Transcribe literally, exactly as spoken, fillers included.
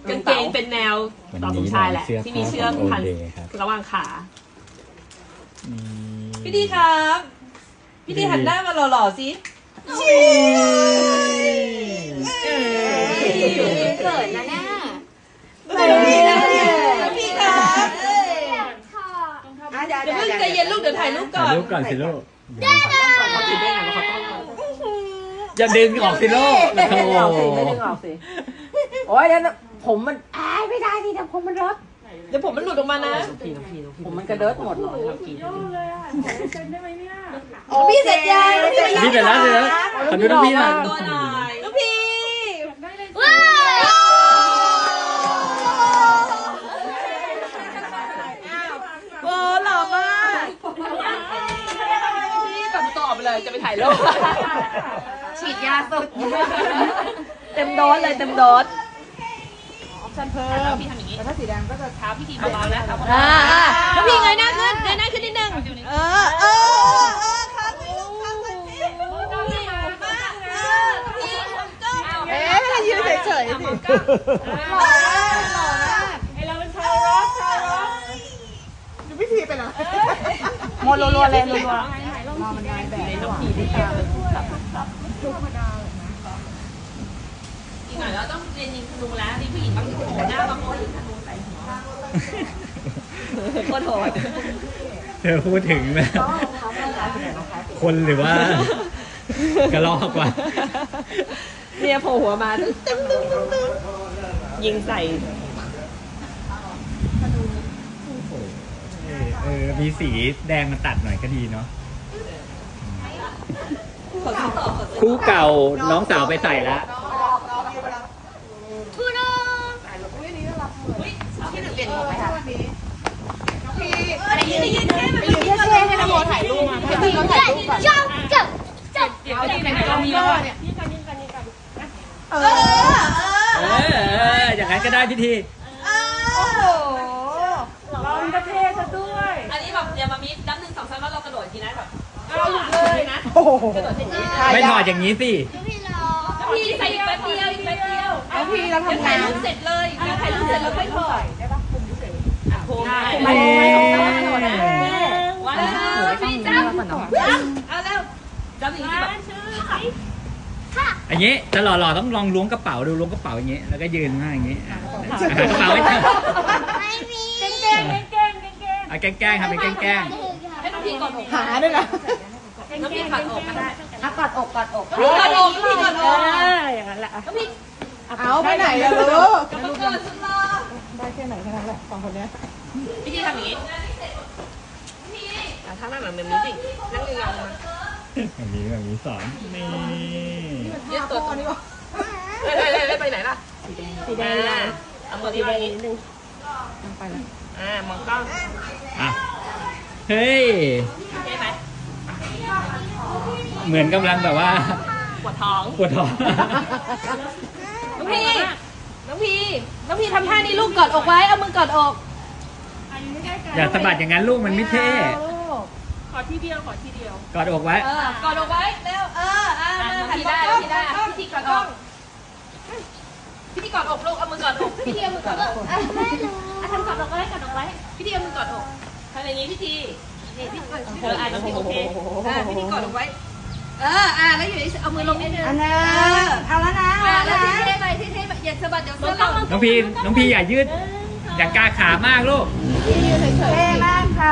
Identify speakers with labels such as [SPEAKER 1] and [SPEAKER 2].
[SPEAKER 1] กางเกงเป็นแนวต่อสมชายแหละที่มีเชือกพันระหว่างขาพี่ดีครับพี่ดีหันหน้ามาหล่อๆสิ
[SPEAKER 2] เกิดนะเนี่ย
[SPEAKER 1] พี่นะพี่ครับเดี๋ยวเพิ่งใจเย็นลูกเดี๋ยวถ่ายรูปก่อน
[SPEAKER 3] ถ่ายรูปก่อนสิลูก
[SPEAKER 1] เขาติดได้ไงเขาต้อง
[SPEAKER 3] อย่าดึงออกสิลูก
[SPEAKER 4] ไม่ดึงออกสิไม่ดึงออกสิโอ้ยแล้วผมมันอ้ายไม่ได้ดิแต่ผมมันรด
[SPEAKER 1] เดี๋ยวผมมันหลุดออกมานะ
[SPEAKER 4] ผมมันกระเดิดหมดเลย
[SPEAKER 1] พี่เสร็จยัง
[SPEAKER 3] พี่เสร็จแล้วเสร็จแล้วขอดูน้องพี่หน่อย
[SPEAKER 1] ตัวหน่อยน้องพี่
[SPEAKER 2] ว้าว
[SPEAKER 1] โอ้หล่อมากพี่ตัดต่อไปเลยจะไปถ่ายรูป
[SPEAKER 2] ฉีดยาสุด
[SPEAKER 1] เต็มโดสเลยเต็มโดสฉันเพิ่มพี่ทำอย่างนี้แต่ถ้าสีแดงก็จะเท้าพี่ทีเบาๆนะอ่าแล้วพี่เงยหน้าขึ้นเงยหน้าขึ้นนิดนึงเออเออเออครับพี่ลูกครับพี่เอ๊ะไม่ยืนเฉยๆสิหล่อมากหล่อมากไอเราเป็นชาวร็อกชาวร็อกดูพี่ทีไปนะ
[SPEAKER 4] หมดรัวๆเลยรัวๆ
[SPEAKER 1] มามันนายแบบน้องพีที่ตาเป็นตับตับธรรมดาอีกหน่อยเราต้องเรียนยิงธนูแล้วนี่ผู้หญิงต้องโผล่หน้าบางคนยิงธนูใส่หัวโคตรโหด
[SPEAKER 3] เธอพูดถึงนะคนหรือว่ากระรอกวะ
[SPEAKER 1] เนี่ยโผล่หัวมาตึ้งตึ้งตึ้งตึ้งยิงใส่
[SPEAKER 3] เออมีสีแดงมาตัดหน่อยก็ดีเนาะคู่เก่าน้องสาวไปใส่แล้ว
[SPEAKER 2] ทูโน่
[SPEAKER 1] พี่หนึ่งเปลี่ยนหมวกไหมคะพี่
[SPEAKER 2] อะไรยืนยืน
[SPEAKER 1] ไปยืนที่เท่ให้น้ำโมถ่ายรูปมาให้พี่เขาถ่ายรูปก่อน
[SPEAKER 2] จับจับจับ
[SPEAKER 1] เดี๋ยวจะเป็นกล้องนี้เนี่ยนี่กันนี่กันนี่กันเออ
[SPEAKER 3] เอออย่างนั้นก็ได้พิธี
[SPEAKER 1] โอ้โหเราประเทศซะด้วยอันนี้แบบอย่ามามิดดับหนึ่งสองสามแล้วเรากระโดดทีนะแบบเราหลุดเลยนะกระโดดทีนี้
[SPEAKER 3] ไม่ถอดอย่างนี้สิ
[SPEAKER 1] พี่ใส่แป๊บเดียวแป๊บเดียวเอาพี่เราทำงานถ่ายรูปเสร็จเลยเดี๋ยวถ่ายรูปเสร็จแล้วค่อยถอดได้ปะคุมเฉยอ่ะคุมได้ไม่ว้าวพี่จ้ำเอาแล้วจ้ำอย่างนี้แบบ
[SPEAKER 3] อย่างนี้จะหล่อๆต้องลองล้วงกระเป๋าดูล้วงกระเป๋าอย่างนี้แล้วก็ยืนมาอย่างนี้หากระเป๋าไว้
[SPEAKER 2] ไม่มี
[SPEAKER 1] แกล้งแกล้งแกล้ง
[SPEAKER 3] เอาแกล้งๆครับเป็นแกล้ง
[SPEAKER 1] ๆให้น้องพี่กอดอก
[SPEAKER 4] หาด้วยนะ
[SPEAKER 1] น้องพี่กอดอกก็ได้
[SPEAKER 4] กอดอกกอดอก
[SPEAKER 1] กอดอกพี่กอดอก
[SPEAKER 4] อย่างนั้นแหละ
[SPEAKER 1] น้องพี่
[SPEAKER 4] เอาไปไหนอะลูก
[SPEAKER 1] กำลังเกิดสุดหล่อ
[SPEAKER 4] ได้แค่ไหนแค่นั้นแหละสองคนนี้
[SPEAKER 1] พี่ทีทำอย่างนี้ถ้านั่งแบบนี้จริงนั่งยองๆมา
[SPEAKER 3] แบบนี้แบบนี้สอนนี่
[SPEAKER 1] ยืดตัวตรงนี้วะเฮ้ยเฮ้ยไปไหนล่ะสีแดงเอาตัวนี้ไปนิดนึงไปเลยอ่ามองกล้อง
[SPEAKER 3] อ่ะเฮ้ย
[SPEAKER 1] เท่ไหม
[SPEAKER 3] เหมือนกำลังแบบว่า
[SPEAKER 1] ปวดท้อง
[SPEAKER 3] ปวดท้อง
[SPEAKER 1] น้องพี่น้องพี่น้องพี่ทำท่านี้ลูกกอดอกไว้เอามือกอดอก
[SPEAKER 3] อย่าสะบัดอย่างนั้นลูกมันไม่เท่
[SPEAKER 1] ขอทีเดียวขอทีเดียว
[SPEAKER 3] กอดอกไว้
[SPEAKER 1] กอดอกไว้เร็วเอออ่าพี่ได้พี่ได้พี่ทีกอดอกพี่ทีกอดอกลูกเอามือกอดอกพี่ทีเอามือกอดอก
[SPEAKER 2] ไม่รู้
[SPEAKER 1] อ่ะทำกอดอกไว้กอดอกไว้พี่ทีเอามือกอดอกทำอย่างนี้พี่ทีนี่พี่เธออ่านน้องพี่โอเคอ่าพี่ทีกอดอกไว้เอออ่าแล้วอยู่เอามือลงนิดนึง
[SPEAKER 4] อันนั้นเอาแล้วนะ
[SPEAKER 1] แล้วเท่ๆไปเท่ๆไปอย่าสะบัดเดี๋ยวเสื้อเรา
[SPEAKER 3] น้องพี่น้องพี่อย่ายืดอย่ากาขามากลูก
[SPEAKER 4] เท่มากค่ะ